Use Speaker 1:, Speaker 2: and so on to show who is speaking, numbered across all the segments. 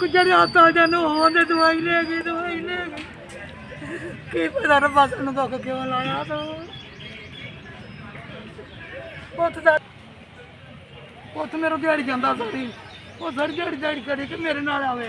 Speaker 1: ਜਿਹੜੇ ਹਸਪਤਾਲ ਜਾਨੂੰ ਉਹਦੇ ਦਵਾਈ ਲੈ ਗਈ ਕੀ ਪਤਾ ਰੱਬਾ ਸਾਨੂੰ ਦੁੱਖ ਕਿਉਂ ਲਾਇਆ ਤੂੰ ਪੁੱਤ ਮੇਰਾ ਦਿਹਾੜੀ ਜਾਂਦਾ ਸਾਰੀ ਉਹ ਸਾਰੀ ਦਿਹਾੜੀ ਕਰੀ ਕਿ ਮੇਰੇ ਨਾਲ ਆਵੇ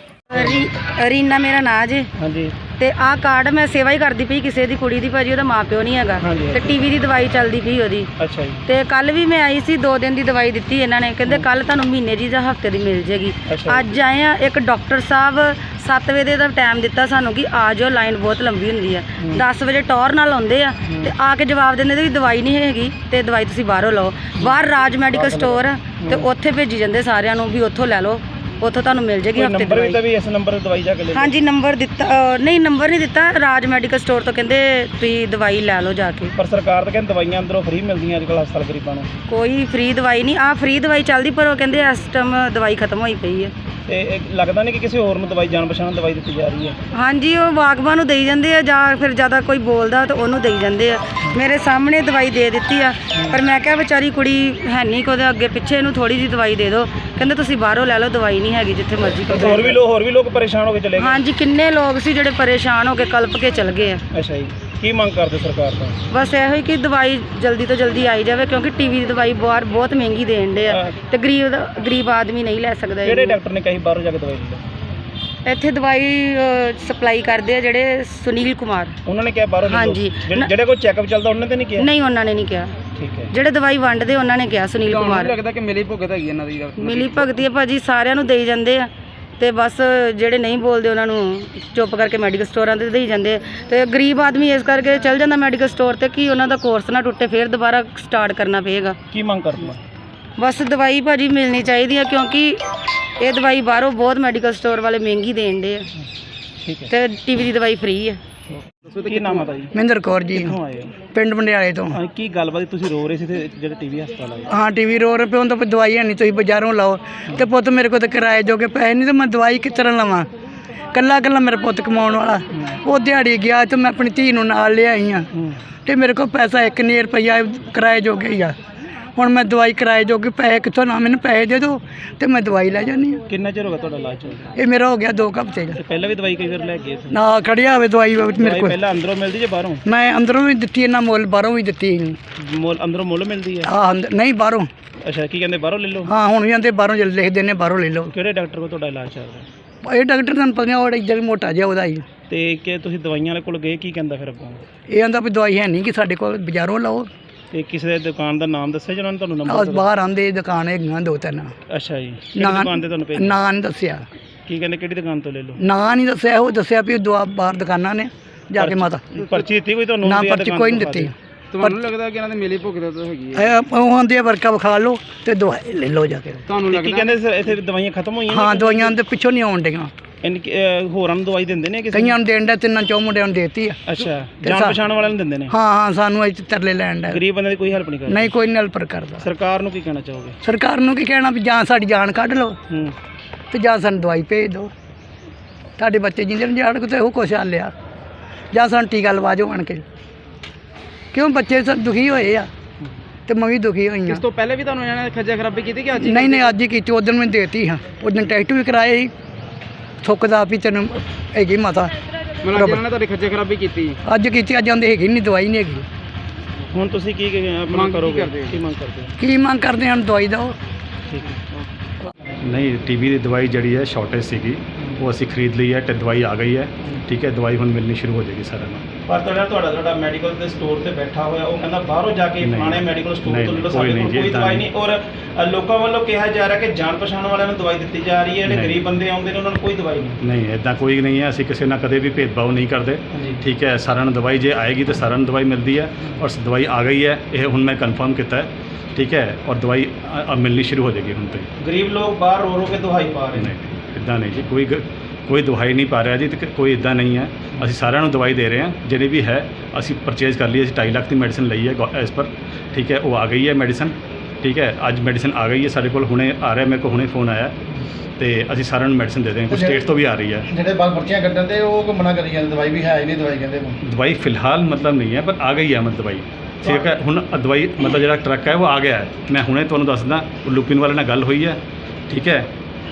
Speaker 2: ਰੀਨਾ ਮੇਰਾ ਨਾਂ ਜੇ।
Speaker 3: ਹਾਂਜੀ
Speaker 2: ਤੇ ਆਹ ਕਾਰਡ ਮੈਂ ਸੇਵਾ ਹੀ ਕਰਦੀ ਪਈ ਕਿਸੇ ਦੀ ਕੁੜੀ ਦੀ, ਭਾਜੀ ਉਹਦਾ ਮਾਂ ਪਿਓ ਨਹੀਂ ਹੈਗਾ ਤੇ ਟੀਵੀ ਦੀ ਦਵਾਈ ਚੱਲਦੀ ਪਈ ਉਹਦੀ।
Speaker 3: ਅੱਛਾ ਜੀ।
Speaker 2: ਤੇ ਕੱਲ ਵੀ ਮੈਂ ਆਈ ਸੀ, 2 ਦਿਨ ਦੀ ਦਵਾਈ ਦਿੱਤੀ ਇਹਨਾਂ ਨੇ, ਕਹਿੰਦੇ ਕੱਲ ਤੁਹਾਨੂੰ ਮਹੀਨੇ ਦੀ ਜਾਂ ਹਫਤੇ ਦੀ ਮਿਲ ਜੇਗੀ। ਅੱਜ ਆਏ ਆ, ਇੱਕ ਡਾਕਟਰ ਸਾਹਿਬ 7 ਵਜੇ ਦਾ ਟਾਈਮ ਦਿੱਤਾ ਸਾਨੂੰ ਕਿ ਆ ਜਾਓ, ਲਾਈਨ ਬਹੁਤ ਲੰਬੀ ਹੁੰਦੀ ਆ। 10 ਵਜੇ ਟੌਰ ਨਾਲ ਆਉਂਦੇ ਆ ਤੇ ਆ ਕੇ ਜਵਾਬ ਦਿੰਦੇ ਵੀ ਦਵਾਈ ਨਹੀਂ ਹੈਗੀ ਤੇ ਦਵਾਈ ਤੁਸੀਂ ਬਾਹਰੋਂ ਲਓ। ਬਾਹਰ ਰਾਜ ਮੈਡੀਕਲ ਸਟੋਰ ਆ ਤੇ ਉੱਥੇ ਭੇਜੀ ਜਾਂਦੇ ਸਾਰਿਆਂ ਨੂੰ ਵੀ ਉੱਥੋਂ ਲੈ ਲਓ, ਉੱਥੋਂ ਤੁਹਾਨੂੰ ਮਿਲ ਜੇਗੀ ਹਫਤੇ ਦੀ ਦਵਾਈ।
Speaker 3: ਵੀ ਇਸ ਨੰਬਰ ਤੇ ਦਵਾਈ ਜਾ ਕੇ ਲੈ।
Speaker 2: ਹਾਂਜੀ ਨੰਬਰ ਦਿੱਤਾ, ਨਹੀਂ ਨੰਬਰ ਨਹੀਂ ਦਿੱਤਾ, ਰਾਜ ਮੈਡੀਕਲ ਸਟੋਰ ਤੋਂ ਕਹਿੰਦੇ ਤੁਸੀਂ ਦਵਾਈ ਲੈ ਲਓ ਜਾ ਕੇ।
Speaker 3: ਪਰ ਸਰਕਾਰ ਤਾਂ ਕਹਿੰਦੀ ਦਵਾਈਆਂ ਅੰਦਰੋਂ ਫ੍ਰੀ ਮਿਲਦੀਆਂ ਅੱਜ ਕੱਲ੍ਹ ਹਸਪਤਾਲ ਗਰੀਬਾਂ ਨੂੰ।
Speaker 2: ਕੋਈ ਫ੍ਰੀ ਦਵਾਈ ਨਹੀਂ, ਆਹ ਫ੍ਰੀ ਦਵਾਈ ਚੱਲਦੀ ਪਰ ਉਹ ਕਹਿੰਦੇ ਇਸ ਟਾਈਮ ਦਵਾਈ ਖਤਮ ਹੋਈ ਪਈ ਹੈ।
Speaker 3: ਤੇ ਇਹ ਲੱਗਦਾ ਨਹੀਂ ਕਿ ਕਿਸੇ ਹੋਰ ਨੂੰ ਦਵਾਈ ਜਾਣ ਪਛਾਣ ਦਵਾਈ ਦਿੱਤੀ ਜਾ ਰਹੀ ਹੈ।
Speaker 2: ਹਾਂਜੀ ਉਹ ਬਾਗਬਾਨ ਨੂੰ ਦੇਈ ਜਾਂਦੇ ਆ ਜਾਂ ਫਿਰ ਜ਼ਿਆਦਾ ਕੋਈ ਬੋਲਦਾ ਤਾਂ ਉਹਨੂੰ ਦੇਈ ਜਾਂਦੇ ਆ। ਮੇਰੇ ਸਾਹਮਣੇ ਦਵਾਈ ਦੇ ਦਿੱਤੀ ਆ ਪਰ ਮੈਂ ਕਿਹਾ ਵਿਚਾਰੀ ਕੁੜੀ ਹੈ ਨਹੀਂ ਕਿ ਉਹਦੇ ਅੱਗੇ ਪਿੱਛੇ ਇਹਨੂੰ ਥੋੜੀ ਜਿਹੀ ਦਵਾਈ ਦੇ ਦਿਓ। ਕਹਿੰਦੇ ਤੁਸੀਂ ਬਾਹਰੋਂ ਲੈ ਲਓ, ਦਵਾਈ ਨਹੀਂ ਹੈਗੀ ਜਿੱਥੇ ਮਰਜ਼ੀ।
Speaker 3: ਹੋਰ ਵੀ ਲੋਕ ਪਰੇਸ਼ਾਨ ਹੋ ਕੇ ਚਲੇ ਗਏ।
Speaker 2: ਹਾਂਜੀ ਕਿੰਨੇ ਲੋਕ ਸੀ ਜਿਹੜੇ ਪਰੇਸ਼ਾਨ ਹੋ ਕੇ ਕਲਪ ਕੇ ਚਲ ਗਏ ਆ।
Speaker 3: ਅੱਛਾ ਜੀ, ਕੀ ਮੰਗ ਕਰਦੇ ਸਰਕਾਰ ਤੋਂ?
Speaker 2: ਬਸ ਇਹੋ ਹੀ ਕਿ ਦਵਾਈ ਜਲਦੀ ਤੋਂ ਜਲਦੀ ਆਈ ਜਾਵੇ ਕਿਉਂਕਿ ਟੀਵੀ ਦੀ ਦਵਾਈ ਬਾਹਰ ਬਹੁਤ ਮਹਿੰਗੀ ਦੇਣ ਦੇ ਆ ਤੇ ਗਰੀਬ ਆਦਮੀ ਨਹੀਂ ਲੈ ਸਕਦਾ।
Speaker 3: ਕਿਹੜੇ ਡਾਕਟਰ ਨੇ ਕਹੀ ਬਾਹਰੋਂ ਜਾ ਕੇ ਦਵਾਈ ਲੈ ਲਓ?
Speaker 2: ਇੱਥੇ ਦਵਾਈ ਸਪਲਾਈ ਕਰਦੇ ਆ ਜਿਹੜੇ ਸੁਨੀਲ ਕੁਮਾਰ,
Speaker 3: ਉਹਨਾਂ ਨੇ ਕਿਹਾ ਬਾਹਰੋਂ ਲੈ ਲਓ।
Speaker 2: ਹਾਂਜੀ।
Speaker 3: ਜਿਹੜੇ ਕੋਈ ਚੈੱਕਅਪ ਚੱਲਦਾ ਉਹਨਾਂ ਤੇ ਨਹੀਂ ਕਿਹਾ?
Speaker 2: ਨਹੀਂ ਉਹਨਾਂ ਨੇ ਨਹੀਂ ਕਿਹਾ।
Speaker 3: ਠੀਕ ਹੈ।
Speaker 2: ਜਿਹੜੇ ਦਵਾਈ ਵੰਡਦੇ ਉਹਨਾਂ ਨੇ ਕਿਹਾ ਸੁਨੀਲ ਕੁਮਾਰ।
Speaker 3: ਲੱਗਦਾ ਕਿ ਮਿਲੀ ਭੁਗਤ ਹੈਗੀ ਇਹਨਾਂ ਦੀ?
Speaker 2: ਮਿਲੀ ਭਗਤੀ ਹੈ ਭਾਜੀ, ਸਾਰਿਆਂ ਨੂੰ ਦੇਈ ਜਾਂਦੇ ਆ ਤੇ ਬਸ ਜਿਹੜੇ ਨਹੀਂ ਬੋਲਦੇ ਉਹਨਾਂ ਨੂੰ ਚੁੱਪ ਕਰਕੇ ਮੈਡੀਕਲ ਸਟੋਰਾਂ ਤੇ ਦੇਈ ਜਾਂਦੇ ਆ। ਤੇ ਗਰੀਬ ਆਦਮੀ ਇਸ ਕਰਕੇ ਚੱਲ ਜਾਂਦਾ ਮੈਡੀਕਲ ਸਟੋਰ ਤੇ ਕਿ ਉਹਨਾਂ ਦਾ ਕੋਰਸ ਨਾ ਟੁੱਟੇ, ਫਿਰ ਦੁਬਾਰਾ ਸਟਾਰਟ ਕਰਨਾ ਪਏਗਾ।
Speaker 3: ਕੀ ਮੰਗ ਕਰਦੇ?
Speaker 2: ਬਸ ਦਵਾਈ ਭਾਜੀ ਮਿਲਣੀ ਚਾਹੀਦੀ ਆ ਕਿਉਂਕਿ ਇਹ ਦਵਾਈ ਬਾਹਰੋਂ ਬਹੁਤ ਮੈਡੀਕਲ ਸਟੋਰ ਵਾਲੇ ਮਹਿੰਗੀ ਦੇਣ ਦੇ ਆ।
Speaker 3: ਠੀਕ ਹੈ।
Speaker 2: ਤੇ ਟੀਵੀ ਦੀ ਦਵਾਈ ਫ੍ਰੀ ਆ।
Speaker 3: ਦੱਸੋ ਤੇ ਕੀ ਨਾਮ ਹੈ ਜੀ?
Speaker 1: ਮਹਿੰਦਰ ਕੌਰ ਜੀ,
Speaker 3: ਕਿੱਥੋਂ ਆਏ ਹੋ?
Speaker 1: ਪਿੰਡ ਮੰਡਿਆਲੇ ਤੋਂ।
Speaker 3: ਕੀ ਗੱਲਬਾਤ? ਤੁਸੀਂ ਰੋ ਰਹੇ ਸੀ ਤੇ ਜਿਹੜੇ ਟੀਵੀ ਹਸਪਤਾਲ ਆਏ?
Speaker 1: ਹਾਂ ਟੀਵੀ ਰੋ ਰੁਪਏ ਹੁਣ ਤਾਂ ਦਵਾਈ ਹੈ ਨਹੀਂ, ਤੁਸੀਂ ਬਾਜ਼ਾਰੋਂ ਲਾਓ। ਤੇ ਪੁੱਤ ਮੇਰੇ ਕੋਲ ਤਾਂ ਕਿਰਾਏ ਜੋਗੇ ਪੈਸੇ ਨਹੀਂ ਤੇ ਮੈਂ ਦਵਾਈ ਕਿਸ ਤਰ੍ਹਾਂ ਲਵਾਂ? ਕੱਲਾ ਮੇਰਾ ਪੁੱਤ ਕਮਾਉਣ ਵਾਲਾ, ਉਹ ਦਿਹਾੜੀ ਗਿਆ ਤੇ ਮੈਂ ਆਪਣੀ ਧੀ ਨੂੰ ਨਾਲ ਲਿਆਈ ਹਾਂ ਤੇ ਮੇਰੇ ਕੋਲ ਪੈਸਾ 1 ਰੁਪਈਆ ਕਿਰਾਏ ਜੋਗੇ ਹੀ ਆ। ਹੁਣ ਮੈਂ ਦਵਾਈ ਕਿਰਾਏ ਜੋਗੇ ਪੈਸੇ ਕਿੱਥੋਂ ਨਾ, ਮੈਨੂੰ ਪੈਸੇ ਦੇ ਦਿਓ ਤੇ ਮੈਂ ਦਵਾਈ ਲੈ ਜਾਂਦੀ ਹਾਂ।
Speaker 3: ਕਿੰਨਾ ਚਿਰ ਹੋ ਗਿਆ ਤੁਹਾਡਾ ਇਲਾਜ ਚੱਲਦਾ?
Speaker 1: ਇਹ ਮੇਰਾ ਹੋ ਗਿਆ 2 ਹਫ਼ਤੇ ਦਾ।
Speaker 3: ਪਹਿਲਾਂ ਵੀ ਦਵਾਈ ਕਈ ਵਾਰ ਲੈ ਗਏ ਸੀ?
Speaker 1: ਨਾ ਖੜਿਆ ਹੋਵੇ ਦਵਾਈ ਮੇਰੇ ਕੋਲ।
Speaker 3: ਪਹਿਲਾਂ ਅੰਦਰੋਂ ਮਿਲਦੀ ਜਾਂ ਬਾਹਰੋਂ?
Speaker 1: ਮੈਂ ਅੰਦਰੋਂ ਵੀ ਦਿੱਤੀ ਇਹਨਾਂ ਮੁੱਲ, ਬਾਹਰੋਂ ਵੀ ਦਿੱਤੀ।
Speaker 3: ਅੰਦਰੋਂ ਮੁੱਲ ਮਿਲਦੀ ਹੈ?
Speaker 1: ਹਾਂ ਨਹੀਂ ਬਾਹਰੋਂ।
Speaker 3: ਅੱਛਾ, ਕੀ ਕਹਿੰਦੇ ਬਾਹਰੋਂ ਲੈ ਲਓ?
Speaker 1: ਹਾਂ ਹੁਣ ਵੀ ਆਂਦੇ ਬਾਹਰੋਂ ਜੇ ਲਿਖਦੇ ਨੇ ਬਾਹਰੋਂ ਲੈ ਲਓ।
Speaker 3: ਕਿਹੜੇ ਡਾਕਟਰ ਕੋਲ ਤੁਹਾਡਾ ਇਲਾਜ ਚੱਲ ਰਿਹਾ?
Speaker 1: ਇਹ ਡਾਕਟਰ ਤੁਹਾਨੂੰ ਪਤਾ ਉਹ ਇੱਧਰ ਮੋਟਾ ਜਿਹਾ ਉਹਦਾ ਹੀ।
Speaker 3: ਤੇ ਕਿ ਤੁਸੀਂ ਦਵਾਈਆਂ ਵਾਲੇ ਕੋਲ ਗਏ, ਕੀ ਕਹਿੰਦਾ ਫਿਰ ਅੱਗੋਂ?
Speaker 1: ਇਹ ਆਂਦਾ ਵੀ ਦਵਾਈ ਹੈ ਨਹੀਂ ਕਿ ਸਾਡੇ ਕੋਲ, ਬਾਜ਼ਾਰੋਂ ਲਓ।
Speaker 3: ਤੇ ਕਿਸੇ ਦੇ ਦੁਕਾਨ ਦਾ ਨਾਮ ਦੱਸਿਆ ਜਿਹਨਾਂ ਨੇ ਤੁਹਾਨੂੰ ਨੰਬਰ?
Speaker 1: ਬਾਹਰ ਆਂਦੇ ਦੁਕਾਨ ਹੈਗੀਆਂ 2-3।
Speaker 3: ਅੱਛਾ ਜੀ, ਕਿਹੜੀ ਦੁਕਾਨ ਤੇ ਤੁਹਾਨੂੰ ਭੇਜਿਆ?
Speaker 1: ਨਾਂ ਨਹੀਂ ਦੱਸਿਆ।
Speaker 3: ਕੀ ਕਹਿੰਦੇ ਕਿਹੜੀ ਦੁਕਾਨ ਤੋਂ ਲੈ ਲਓ?
Speaker 1: ਨਾਂ ਨਹੀਂ ਦੱਸਿਆ, ਉਹ ਦੱਸਿਆ ਵੀ ਬਾਹਰ ਦੁਕਾਨਾਂ ਨੇ ਜਾ ਕੇ ਮਾਤਾ।
Speaker 3: ਪਰਚੀ ਦਿੱਤੀ ਕੋਈ ਤੁਹਾਨੂੰ?
Speaker 1: ਨਾ ਪਰਚੀ ਕੋਈ ਨਹੀਂ ਦਿੱਤੀ।
Speaker 3: ਤੁਹਾਨੂੰ ਲੱਗਦਾ ਕਿ ਇਹਨਾਂ ਦੇ ਮਿਲੀ ਭੁਗਤ ਤਾਂ ਹੈਗੀ
Speaker 1: ਹੈ? ਉਹ ਆਂਦੇ ਵਰਕਾ ਵਿਖਾ ਲਓ ਤੇ ਦਵਾਈ ਲੈ ਲਓ ਜਾ ਕੇ।
Speaker 3: ਤੁਹਾਨੂੰ ਲੱਗਦਾ? ਕੀ ਕਹਿੰਦੇ ਸਰ ਇੱਥੇ ਦਵਾਈਆਂ ਖਤਮ ਹੋਈਆਂ?
Speaker 1: ਹਾਂ ਦਵਾਈਆਂ ਦੇ ਪਿੱਛੋਂ ਨਹੀਂ ਆਉਣ ਡੀਆਂ।
Speaker 3: ਹੋਰਾਂ ਨੂੰ ਦਵਾਈ ਦਿੰਦੇ ਨੇ ਕਿਸੇ?
Speaker 1: ਕਈਆਂ ਨੂੰ ਦੇਣ ਦਾ, 3-4 ਮੁੰਡਿਆਂ ਨੂੰ ਦੇਤੀ ਆ।
Speaker 3: ਅੱਛਾ, ਜਾਣ ਪਛਾਣ ਵਾਲਿਆਂ ਨੂੰ ਦਿੰਦੇ ਨੇ?
Speaker 1: ਹਾਂ ਸਾਨੂੰ ਇੱਥੇ ਤਰਲੇ ਲੈਣ ਦਾ।
Speaker 3: ਗਰੀਬ ਬੰਦੇ ਦੀ ਕੋਈ ਹੈਲਪ ਨਹੀਂ ਕਰਦਾ?
Speaker 1: ਨਹੀਂ ਕੋਈ ਹੈਲਪ ਕਰਦਾ।
Speaker 3: ਸਰਕਾਰ ਨੂੰ ਕੀ ਕਹਿਣਾ ਚਾਹੋਗੇ?
Speaker 1: ਸਰਕਾਰ ਨੂੰ ਕੀ ਕਹਿਣਾ ਵੀ ਜਾਂ ਸਾਡੀ ਜਾਨ ਕੱਢ ਲਓ ਤੇ ਜਾਂ ਸਾਨੂੰ ਦਵਾਈ ਭੇਜ ਦਿਓ। ਸਾਡੇ ਬੱਚੇ ਜਿੰਦੇ ਨੂੰ ਜਾਣ ਕੋ ਤੇ ਉਹ ਕੁਛ ਹਾਲ ਲਿਆ, ਜਾਂ ਸਾਨੂੰ ਟੀਕਾ ਲਵਾ ਜਾਓ ਆਣ ਕੇ। ਕਿਉਂ ਬੱਚੇ ਦੁਖੀ ਹੋਏ ਆ ਤੇ ਮੈਂ ਵੀ ਦੁਖੀ ਹੋਈ ਹਾਂ।
Speaker 3: ਇਸ ਤੋਂ ਪਹਿਲੇ ਵੀ ਤੁਹਾਨੂੰ ਇਹਨਾਂ ਨੇ ਖੱਜਾ ਖਰਾਬੀ ਕੀਤੀ ਕਿ ਅੱਜ?
Speaker 1: ਨਹੀਂ ਅੱਜ ਹੀ ਕੀਤੀ। ਉਦੋਂ ਮੈਂ ਦੇਤੀ ਹਾਂ, ਉਦੋਂ ਟੈਸਟ ਵੀ ਕਰਾਏ ਸੀ ਥੁੱਕਦਾ ਵੀ ਤੈਨੂੰ ਹੈਗੀ ਮਾਤਾ।
Speaker 3: ਮਤਲਬ ਇਹਨਾਂ ਨੇ ਤੁਹਾਡੀ ਖੱਜਾ ਖਰਾਬੀ ਕੀਤੀ?
Speaker 1: ਅੱਜ ਕੀਤੀ, ਅੱਜ ਆਉਂਦੇ ਹੈਗੀ ਨਹੀਂ, ਦਵਾਈ ਨਹੀਂ ਹੈਗੀ।
Speaker 3: ਹੁਣ ਤੁਸੀਂ ਕੀ ਮੰਗ ਕਰੋਗੇ? ਕੀ ਮੰਗ ਕਰਦੇ ਹੋ?
Speaker 1: ਕੀ ਮੰਗ ਕਰਦੇ ਹਨ? ਦਵਾਈ ਦਿਓ।
Speaker 3: ਠੀਕ ਹੈ।
Speaker 4: ਨਹੀਂ ਟੀਵੀ ਦੀ ਦਵਾਈ ਜਿਹੜੀ ਹੈ ਸ਼ਾਰਟੇਜ ਸੀਗੀ, ਉਹ ਅਸੀਂ ਖਰੀਦ ਲਈ ਹੈ ਤੇ ਦਵਾਈ ਆ ਗਈ ਹੈ। ਠੀਕ ਹੈ, ਦਵਾਈ ਹੁਣ ਮਿਲਣੀ ਸ਼ੁਰੂ ਹੋ ਜਾਏਗੀ ਸਾਰਿਆਂ ਨੂੰ।
Speaker 3: ਪਰ ਤੁਹਾਡਾ ਮੈਡੀਕਲ ਦੇ ਸਟੋਰ ਤੇ ਬੈਠਾ ਹੋਇਆ ਉਹ ਕਹਿੰਦਾ ਬਾਹਰੋਂ ਜਾ ਕੇ ਫਲਾਣੇ ਮੈਡੀਕਲ ਸਟੋਰ ਤੋਂ ਲੈ ਲਓ, ਸਾਡੇ ਕੋਲ ਕੋਈ ਦਵਾਈ ਨਹੀਂ। ਔਰ ਲੋਕਾਂ ਵੱਲੋਂ ਕਿਹਾ ਜਾ ਰਿਹਾ ਕਿ ਜਾਣ ਪਛਾਣ ਵਾਲਿਆਂ ਨੂੰ ਦਵਾਈ ਦਿੱਤੀ ਜਾ ਰਹੀ ਹੈ, ਜਿਹੜੇ ਗਰੀਬ ਬੰਦੇ ਆਉਂਦੇ ਨੇ ਉਹਨਾਂ ਨੂੰ ਕੋਈ ਦਵਾਈ ਨਹੀਂ।
Speaker 4: ਨਹੀਂ ਇੱਦਾਂ ਕੋਈ ਨਹੀਂ ਹੈ, ਅਸੀਂ ਕਿਸੇ ਨਾਲ ਕਦੇ ਵੀ ਭੇਦਭਾਵ ਨਹੀਂ ਕਰਦੇ। ਠੀਕ ਹੈ, ਸਾਰਿਆਂ ਨੂੰ ਦਵਾਈ ਜੇ ਆਏਗੀ ਤਾਂ ਸਾਰਿਆਂ ਨੂੰ ਦਵਾਈ ਮਿਲਦੀ ਹੈ ਔਰ ਦਵਾਈ ਆ ਗਈ ਹੈ, ਇਹ ਹੁਣ ਮੈਂ ਕਨਫਰਮ ਕੀਤਾ ਹੈ। ਠੀਕ ਹੈ, ਔਰ ਦਵਾਈ ਮਿਲਣੀ ਸ਼ੁਰੂ ਹੋ ਜਾਏਗੀ ਹੁਣ ਤੋਂ।
Speaker 3: ਗਰੀਬ ਲੋਕ ਬਾਹਰ ਰੋ ਕੇ ਦਵਾਈ ਪਾ ਰਹੇ ਨੇ?
Speaker 4: ਨਹੀਂ ਇੱਦਾਂ ਨਹੀਂ ਜੀ, ਕੋਈ ਦਵਾਈ ਨਹੀਂ ਪਾ ਰਿਹਾ ਜੀ, ਤੇ ਕੋਈ ਇੱਦਾਂ ਨਹੀਂ ਹੈ। ਅਸੀਂ ਸਾਰਿਆਂ ਨੂੰ ਦਵਾਈ ਦੇ ਰਹੇ ਹਾਂ, ਜਿਹੜੀ ਵੀ ਹੈ ਅਸੀਂ ਪਰਚੇਜ਼ ਕਰ ਲਈ। ਅਸੀਂ 2.5 ਲੱਖ ਦੀ ਮੈਡੀਸਨ ਲਈ ਹੈ ਐਸ ਪਰ। ਠੀਕ ਹੈ, ਉਹ ਆ ਗਈ ਹੈ ਮੈਡੀਸਨ। ਠੀਕ ਹੈ, ਅੱਜ ਮੈਡੀਸਨ ਆ ਗਈ ਹੈ ਸਾਡੇ ਕੋਲ, ਹੁਣੇ ਆ ਰਿਹਾ, ਮੇਰੇ ਕੋਲ ਹੁਣੇ ਫੋਨ ਆਇਆ ਤੇ ਅਸੀਂ ਸਾਰਿਆਂ ਨੂੰ ਮੈਡੀਸਨ ਦੇ ਦੇਵਾਂਗੇ। ਕੁਝ ਸਟੇਟਸ ਤੋਂ ਵੀ ਆ ਰਹੀ ਹੈ।
Speaker 5: ਜਿਹੜੇ ਬਾਹਰ ਪਰਚੀਆਂ ਕੱਢਣ ਤੇ ਉਹ ਮਨਾ ਕਰੀ ਜਾਂਦੇ, ਦਵਾਈ ਵੀ ਹੈ ਹੀ ਨਹੀਂ, ਦਵਾਈ ਕਹਿੰਦੇ
Speaker 4: ਦਵਾਈ ਫਿਲਹਾਲ ਮਤਲਬ ਨਹੀਂ ਹੈ, ਪਰ ਆ ਗਈ ਹੈ ਮਤਲਬ ਦਵਾਈ। ਠੀਕ ਹੈ, ਹੁਣ ਦਵਾਈ ਮਤਲਬ ਜਿਹੜਾ ਟਰੱਕ ਹੈ ਉਹ ਆ ਗਿਆ ਹੈ। ਮੈਂ ਹੁਣੇ ਤੁਹਾਨੂੰ ਦੱਸਦਾ, ਉਹ ਲੁਪਿਨ ਵਾਲੇ ਨਾਲ ਗੱਲ ਹੋਈ ਹੈ। ਠੀਕ ਹੈ,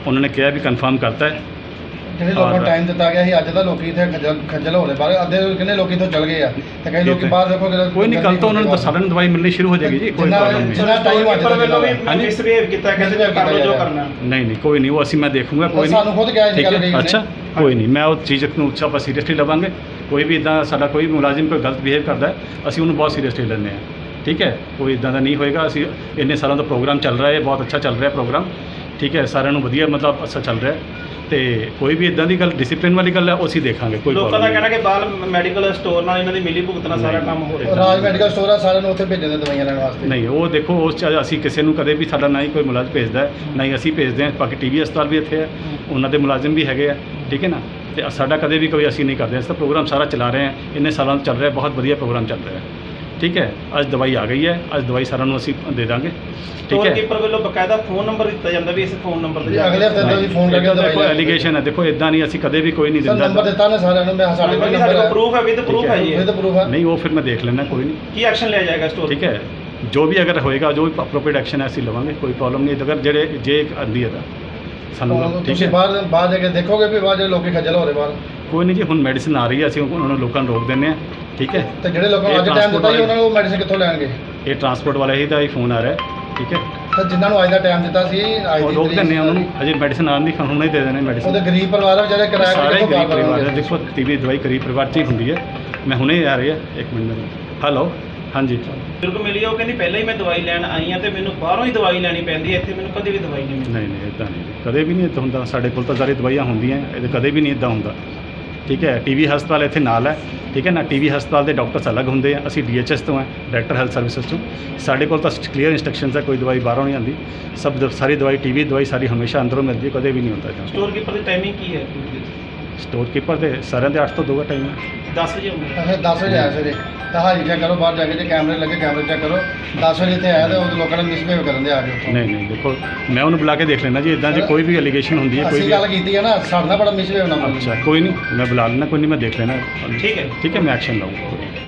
Speaker 4: ਉਹਨਾਂ ਨੇ ਕਿਹਾ ਵੀ ਕਨਫਰਮ ਕਰਤਾ ਹੈ।
Speaker 5: ਜਿਹੜੇ ਲੋਕਾਂ ਨੂੰ ਟਾਈਮ ਦਿੱਤਾ ਗਿਆ ਸੀ ਅੱਜ ਦਾ ਲੋਕੀ ਇੱਥੇ ਖੱਜਲ ਹੋ ਰਹੇ ਬਾਹਰ ਅੱਧੇ ਕਿੰਨੇ ਲੋਕੀ ਇੱਥੋਂ ਚਲ ਗਏ ਆ ਤੇ ਕਈ ਲੋਕੀ ਬਾਹਰ ਦੇਖੋ
Speaker 4: ਕੋਈ ਨਹੀਂ, ਕੱਲ ਤੋਂ ਉਹਨਾਂ ਨੂੰ ਸਾਰਿਆਂ ਨੂੰ ਦਵਾਈ ਮਿਲਣੀ ਸ਼ੁਰੂ ਹੋ ਜਾਏਗੀ ਜੀ, ਕੋਈ ਪ੍ਰੋਬਲਮ ਨਹੀਂ।
Speaker 5: ਜਿੰਨਾ ਟਾਈਮ ਅੱਜ
Speaker 3: ਪਰ ਵੱਲੋਂ ਵੀ
Speaker 5: ਦਾ
Speaker 3: ਮਿਸਬਿਹੇਵ ਕੀਤਾ, ਕਹਿੰਦੇ ਕਰ ਲਓ ਜੋ ਕਰਨਾ।
Speaker 4: ਨਹੀਂ ਕੋਈ ਨਹੀਂ, ਉਹ ਅਸੀਂ ਮੈਂ ਦੇਖੂੰਗਾ, ਕੋਈ ਨਹੀਂ।
Speaker 5: ਸਾਨੂੰ ਖੁਦ ਕਿਹਾ ਸੀ
Speaker 4: ਠੀਕ
Speaker 5: ਗੱਲ
Speaker 4: ਹੈ,
Speaker 5: ਕਹੀ
Speaker 4: ਅੱਛਾ ਕੋਈ ਨਹੀਂ, ਮੈਂ ਉਹ ਚੀਜ਼ ਨੂੰ ਆਪਾਂ ਸੀਰੀਅਸਲੀ ਲਵਾਂਗੇ। ਕੋਈ ਵੀ ਇਦਾਂ ਸਾਡਾ ਕੋਈ ਮੁਲਾਜ਼ਮ ਕੋਈ ਗਲਤ ਬਿਹੇਵ ਕਰਦਾ ਹੈ, ਅਸੀਂ ਉਹਨੂੰ ਬਹੁਤ ਸੀਰੀਅਸਲੀ ਲੈਂਦੇ ਹਾਂ। ਠੀਕ ਹੈ, ਕੋਈ ਇਦਾਂ ਦਾ ਨਹੀਂ ਹੋਏਗਾ। ਅਸੀਂ ਇੰਨੇ ਸਾਲਾਂ ਦਾ ਪ੍ਰੋਗਰਾਮ ਚੱਲ ਰਿਹਾ ਹੈ, ਬਹੁਤ ਅੱਛਾ ਚੱਲ ਰਿਹਾ ਪ੍ਰੋਗਰਾਮ। ਠੀਕ ਹੈ, ਸਾਰਿਆਂ ਨੂੰ ਵਧੀਆ ਮਤਲਬ ਅੱਛਾ ਚੱਲ ਰਿਹਾ ਤੇ ਕੋਈ ਵੀ ਇਦਾਂ ਦੀ ਗੱਲ ਡਿਸਪਲਿਨ ਵਾਲੀ ਗੱਲ ਹੈ ਉਹ ਅਸੀਂ ਦੇਖਾਂਗੇ। ਕੋਈ
Speaker 3: ਲੋਕਾਂ ਦਾ ਕਹਿਣਾ ਕਿ ਬਾਲ ਮੈਡੀਕਲ ਸਟੋਰ ਨਾਲ ਇਹਨਾਂ ਦੀ ਮਿਲੀ ਭੁਗਤ ਨਾਲ ਸਾਰਾ ਕੰਮ ਹੋ ਰਿਹਾ।
Speaker 5: ਰਾਜ ਮੈਡੀਕਲ ਸਟੋਰ ਆ, ਸਾਰਿਆਂ ਨੂੰ ਉੱਥੇ ਭੇਜਣ ਦੇ ਦਵਾਈਆਂ ਲੈਣ ਵਾਸਤੇ।
Speaker 4: ਨਹੀਂ, ਉਹ ਦੇਖੋ ਉਸ 'ਚ ਅਸੀਂ ਕਿਸੇ ਨੂੰ ਕਦੇ ਵੀ ਸਾਡਾ ਨਾ ਹੀ ਕੋਈ ਮੁਲਾਜ਼ਮ ਭੇਜਦਾ ਹੈ, ਨਾ ਹੀ ਅਸੀਂ ਭੇਜਦੇ ਹਾਂ। ਬਾਕੀ ਟੀਵੀ ਹਸਪਤਾਲ ਵੀ ਇੱਥੇ ਹੈ, ਉਹਨਾਂ ਦੇ ਮੁਲਾਜ਼ਮ ਵੀ ਹੈਗੇ ਆ। ਠੀਕ ਹੈ ਨਾ, ਤੇ ਸਾਡਾ ਕਦੇ ਵੀ ਕੋਈ ਅਸੀਂ ਨਹੀਂ ਕਰਦੇ। ਇਸ ਦਾ ਪ੍ਰੋਗਰਾਮ ਸਾਰਾ ਚਲਾ ਰਹੇ ਹਾਂ, ਇੰਨੇ ਸਾਲਾਂ ਤੋਂ ਚੱਲ ਰਿਹਾ, ਬਹੁਤ ਵਧੀਆ ਪ੍ਰੋਗਰਾਮ ਚੱਲ ਰਿਹਾ। ਠੀਕ ਹੈ, ਅੱਜ ਦਵਾਈ ਆ ਗਈ ਹੈ, ਅੱਜ ਦਵਾਈ ਸਾਰਿਆਂ ਨੂੰ ਅਸੀਂ ਦੇ ਦਾਂਗੇ। ਠੀਕ
Speaker 3: ਸਟੋਰ
Speaker 4: ਹੈ,
Speaker 3: ਕੀਪਰ ਵੱਲੋਂ ਬਕਾਇਦਾ ਫੋਨ ਨੰਬਰ ਦਿੱਤਾ ਜਾਂਦਾ ਵੀ ਇਸ ਫੋਨ ਨੰਬਰ ਤੇ
Speaker 5: ਅਗਲੇ ਹਫਤੇ ਤੋਂ ਵੀ ਫੋਨ ਕਰਕੇ
Speaker 4: ਦੇਖੋ
Speaker 5: ਦਵਾਈ
Speaker 4: ਐਲੀਗੇਸ਼ਨ ਹੈ, ਦੇਖੋ ਇਦਾਂ ਨਹੀਂ, ਅਸੀਂ ਕਦੇ ਵੀ ਕੋਈ ਨਹੀਂ
Speaker 5: ਸਰ
Speaker 4: ਦਿੰਦਾ।
Speaker 5: ਨੰਬਰ ਦਿੱਤਾ ਨੇ ਸਾਰਿਆਂ ਨੂੰ, ਮੈਂ ਸਾਡੇ ਕੋਲ
Speaker 3: ਸਾਡੇ
Speaker 5: ਨੰਬਰ
Speaker 3: ਕੋਲ
Speaker 5: ਹੈ,
Speaker 3: ਪ੍ਰੂਫ ਹੈ, ਵਿਦ ਪ੍ਰੂਫ ਹੈ ਜੀ
Speaker 5: ਇਹ ਤਾਂ ਪ੍ਰੂਫ ਹੈ।
Speaker 4: ਨਹੀਂ, ਉਹ ਫਿਰ ਮੈਂ ਦੇਖ ਲੈਣਾ, ਕੋਈ ਨਹੀਂ।
Speaker 3: ਕੀ ਐਕਸ਼ਨ ਲਿਆ ਜਾਏਗਾ ਸਟੋਰ?
Speaker 4: ਠੀਕ ਹੈ, ਜੋ ਵੀ ਅਗਰ ਹੋਏਗਾ, ਜੋ ਵੀ ਅਪਰੋਪਰੀਏਟ ਐਕਸ਼ਨ ਹੈ ਅਸੀਂ ਲਵਾਂਗੇ, ਕੋਈ ਪ੍ਰੋਬਲਮ ਨਹੀਂ। ਅਗਰ ਜੇ ਆਂਦੀ ਹੈ ਤਾਂ ਸਾਨੂੰ ਠੀਕ
Speaker 5: ਤੁਸੀਂ
Speaker 4: ਹੈ,
Speaker 5: ਬਾਹਰ ਜਾ ਕੇ ਦੇਖੋਗੇ ਵੀ ਬਾਹਰ ਜਿਹੜੇ ਲੋਕੀ ਖੱਜਲ ਹੋ ਰਹੇ ਬਾਹਰ,
Speaker 4: ਕੋਈ ਨਹੀਂ ਜੀ। ਹੁਣ ਮੈਡੀਸਿਨ ਆ ਰਹੀ ਹੈ, ਅਸੀਂ ਉਹਨਾਂ ਨੂੰ ਲੋਕਾਂ ਨੂੰ ਰੋਕ ਦਿੰਦੇ ਹਾਂ। ਠੀਕ ਹੈ,
Speaker 5: ਤੇ ਜਿਹੜੇ ਲੋਕਾਂ ਨੂੰ ਅੱਜ ਟਾਈਮ ਦਿੱਤਾ ਸੀ ਉਹਨਾਂ ਨੂੰ ਮੈਡੀਸਿਨ ਕਿੱਥੋਂ ਲੈਣਗੇ?
Speaker 4: ਇਹ ਟਰਾਂਸਪੋਰਟ ਵਾਲੇ ਹੀ ਦਾ ਹੀ ਫੋਨ ਆ ਰਿਹਾ। ਠੀਕ ਹੈ,
Speaker 5: ਤੇ ਜਿਨ੍ਹਾਂ ਨੂੰ ਅੱਜ ਦਾ ਟਾਈਮ ਦਿੱਤਾ ਸੀ ਅੱਜ
Speaker 4: ਉਹ
Speaker 5: ਦੀ
Speaker 4: ਰੋਕ
Speaker 5: ਤਰੀਕ
Speaker 4: ਦਿੰਦੇ ਆ ਉਹਨਾਂ ਨੂੰ, ਅਜੇ ਮੈਡੀਸਿਨ ਆਉਣ ਦੀ ਹੁਣੇ ਦੇ ਦੇਣੇ ਮੈਡੀਸਿਨ।
Speaker 5: ਉਹਦੇ ਗਰੀਬ ਪਰਿਵਾਰ ਆ ਵਿਚਾਰੇ ਕਿਰਾਇਆ
Speaker 4: ਸਾਰੇ
Speaker 5: ਕਿੱਥੋਂ
Speaker 4: ਗਰੀਬ
Speaker 5: ਬਾਹਰ
Speaker 4: ਪਰਿਵਾਰ
Speaker 5: ਕਰਨਗੇ?
Speaker 4: ਹੈ। ਦੇਖੋ ਟੀਵੀ ਦਵਾਈ ਗਰੀਬ ਪਰਿਵਾਰ 'ਚ ਹੀ ਹੁੰਦੀ ਹੈ। ਮੈਂ ਹੁਣੇ ਆ ਰਹੀ ਹੈ, ਇੱਕ ਮਿੰਟ ਮੈਨੂੰ। ਹੈਲੋ, ਹਾਂਜੀ।
Speaker 3: ਬਜ਼ੁਰਗ ਮਿਲੀ ਉਹ ਕਹਿੰਦੀ ਪਹਿਲਾਂ ਹੀ ਮੈਂ ਦਵਾਈ ਲੈਣ ਆਈ ਹਾਂ ਤੇ ਮੈਨੂੰ ਬਾਹਰੋਂ ਹੀ ਦਵਾਈ ਲੈਣੀ ਪੈਂਦੀ ਹੈ, ਇੱਥੇ ਮੈਨੂੰ ਕਦੇ ਵੀ ਦਵਾਈ ਨਹੀਂ ਮਿਲਦੀ।
Speaker 4: ਨਹੀਂ ਇੱਦਾਂ ਨਹੀਂ, ਕਦੇ ਵੀ ਨਹੀਂ ਇੱਦਾਂ ਹੁੰਦਾ। ਸਾਡੇ ਕੋਲ ਤਾਂ ਸਾਰੀ ਦਵਾਈਆਂ ਹੁੰਦੀਆਂ, ਇਹ ਕਦੇ ਵੀ ਨਹੀਂ ਇੱਦਾਂ ਹੁੰਦਾ। ਠੀਕ ਹੈ, ਟੀਵੀ ਹਸਪਤਾਲ ਇੱਥੇ ਨਾਲ ਹੈ। ਠੀਕ ਹੈ ਨਾ, ਟੀਵੀ ਹਸਪਤਾਲ ਦੇ ਡਾਕਟਰਸ ਅਲੱਗ ਹੁੰਦੇ ਆ, ਅਸੀਂ DHS ਤੋਂ ਹਾਂ, ਡਾਇਰੈਕਟਰ ਹੈਲਥ ਸਰਵਿਸਿਜ਼ ਤੋਂ। ਸਾਡੇ ਕੋਲ ਤਾਂ ਕਲੀਅਰ ਇੰਸਟਰਕਸ਼ਨਸ ਹੈ, ਕੋਈ ਦਵਾਈ ਬਾਹਰੋਂ ਨਹੀਂ ਆਉਂਦੀ। ਸਾਰੀ ਦਵਾਈ ਟੀਵੀ ਦਵਾਈ ਸਾਰੀ ਹਮੇਸ਼ਾ ਅੰਦਰੋਂ ਮਿਲਦੀ ਹੈ, ਕਦੇ ਵੀ ਨਹੀਂ ਹੁੰਦਾ ਇੱਦਾਂ।
Speaker 3: ਸਟੋਰ ਕੀਪਰ ਦੀ ਟਾਈਮਿੰਗ ਕੀ ਹੈ?
Speaker 4: ਸਟੋਰ ਕੀਪਰ ਦੇ ਸਾਰਿਆਂ ਦੇ 8 ਤੋਂ 2 ਦਾ ਟਾਈਮ ਹੈ।
Speaker 3: 10 ਵਜੇ ਹੁੰਦਾ।
Speaker 5: ਅੱਛਾ 10 ਵਜੇ ਆਇਆ ਸਵੇਰੇ ਤਾਂ ਹਾਜ਼ਰੀ ਚੈੱਕ ਕਰੋ, ਬਾਹਰ ਜਾ ਕੇ ਜੇ ਕੈਮਰੇ ਲੱਗੇ ਕੈਮਰੇ ਚੈੱਕ ਕਰੋ। 10 ਵਜੇ ਇੱਥੇ ਆਇਆ ਤੇ ਉਹ ਲੋਕਾਂ ਨੇ ਮਿਸਬਿਹੇਵ ਕਰਨ ਦੇ ਆ ਕੇ ਉੱਥੋਂ।
Speaker 4: ਨਹੀਂ ਦੇਖੋ, ਮੈਂ ਉਹਨੂੰ ਬੁਲਾ ਕੇ ਦੇਖ ਲੈਣਾ ਜੀ। ਇਦਾਂ ਜੇ ਕੋਈ ਵੀ ਐਲੀਗੇਸ਼ਨ ਹੁੰਦੀ ਹੈ, ਕੋਈ
Speaker 5: ਅਸੀਂ
Speaker 4: ਵੀ
Speaker 5: ਗੱਲ ਕੀਤੀ ਹੈ ਨਾ, ਸਾਡੇ ਨਾਲ ਬੜਾ ਮਿਸਬਿਹੇਵ ਨਾ ਕਰੋ।
Speaker 4: ਅੱਛਾ ਕੋਈ ਨਹੀਂ, ਮੈਂ ਬੁਲਾ ਲੈਣਾ, ਕੋਈ ਨਹੀਂ, ਮੈਂ ਦੇਖ ਲੈਣਾ।
Speaker 3: ਠੀਕ ਹੈ।
Speaker 4: ਠੀਕ ਹੈ, ਮੈਂ ਐਕਸ਼ਨ ਲਵਾਂਗਾ।